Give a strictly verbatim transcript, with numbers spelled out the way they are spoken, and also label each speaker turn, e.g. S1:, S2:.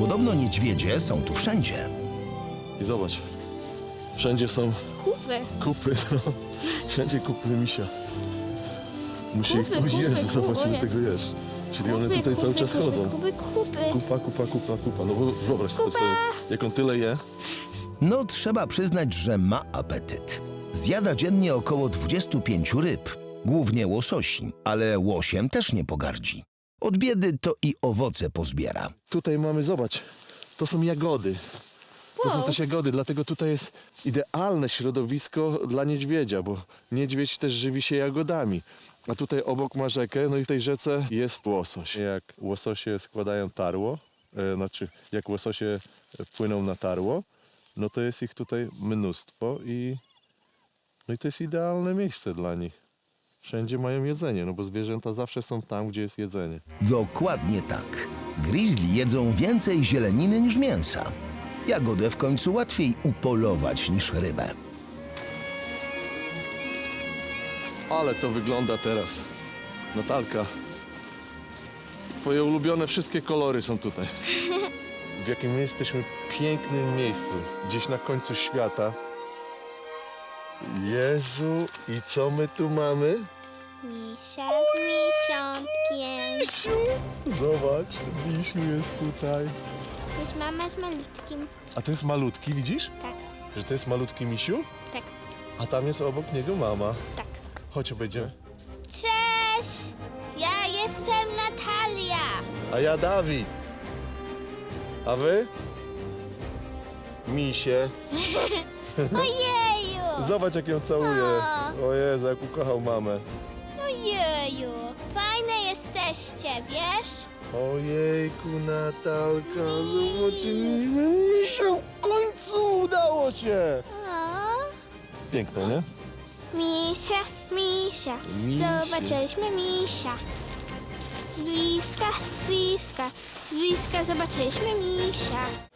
S1: Podobno niedźwiedzie są tu wszędzie.
S2: I zobacz, wszędzie są
S3: Kupy.
S2: kupy, no. Wszędzie kupy misia. Musi ich
S3: Kupy,
S2: tu...
S3: kupy,
S2: Jezu,
S3: kupy,
S2: zobacz, ile
S3: jest.
S2: tego jest. Czyli one
S3: Kupy,
S2: tutaj cały
S3: kupy,
S2: czas
S3: kupy,
S2: chodzą.
S3: Kupy, kupy.
S2: Kupa, kupa, kupa, kupa. No bo wyobraź
S3: Kupa.
S2: sobie, jak on tyle je.
S1: No, trzeba przyznać, że ma apetyt. Zjada dziennie około dwudziestu pięciu ryb, głównie łososi, ale łosiem też nie pogardzi. Od biedy to i owoce pozbiera.
S2: Tutaj mamy, zobacz, to są jagody. To są
S3: Wow.
S2: też jagody, dlatego tutaj jest idealne środowisko dla niedźwiedzia, bo niedźwiedź też żywi się jagodami. A tutaj obok ma rzekę, no i w tej rzece jest łosoś. Jak łososie składają tarło, e, znaczy jak łososie płyną na tarło, no to jest ich tutaj mnóstwo i, no i to jest idealne miejsce dla nich. Wszędzie mają jedzenie, no bo zwierzęta zawsze są tam, gdzie jest jedzenie.
S1: Dokładnie tak. Grizzly jedzą więcej zieleniny niż mięsa. Jagodę w końcu łatwiej upolować niż rybę.
S2: Ale to wygląda teraz. Natalka, twoje ulubione wszystkie kolory są tutaj. W jakim my jesteśmy pięknym miejscu, gdzieś na końcu świata. Jezu, i co my tu mamy?
S3: Misia z miesiątkiem.
S2: Misiu! Zobacz, Misiu jest tutaj.
S3: To jest mama z malutkim.
S2: A to jest malutki, widzisz?
S3: Tak,
S2: Że to jest malutki Misiu?
S3: tak,
S2: A tam jest obok niego mama.
S3: tak.
S2: Chodź, obejdziemy.
S3: Cześć! Ja jestem Natalia.
S2: A ja Dawid. A wy? Misie.
S3: Ojeju!
S2: Zobacz, jak ją całuje.
S3: O.
S2: O Jezu, jak ukochał mamę.
S3: Ojeju! Fajne jesteście, wiesz?
S2: Ojejku, Natalka, zobaczyliśmy Misiu, w końcu udało się.
S3: O,
S2: Piękne, nie?
S3: misia, misia.
S2: Misie.
S3: Zobaczyliśmy misia. Z bliska, z bliska, z bliska zobaczyliśmy misia.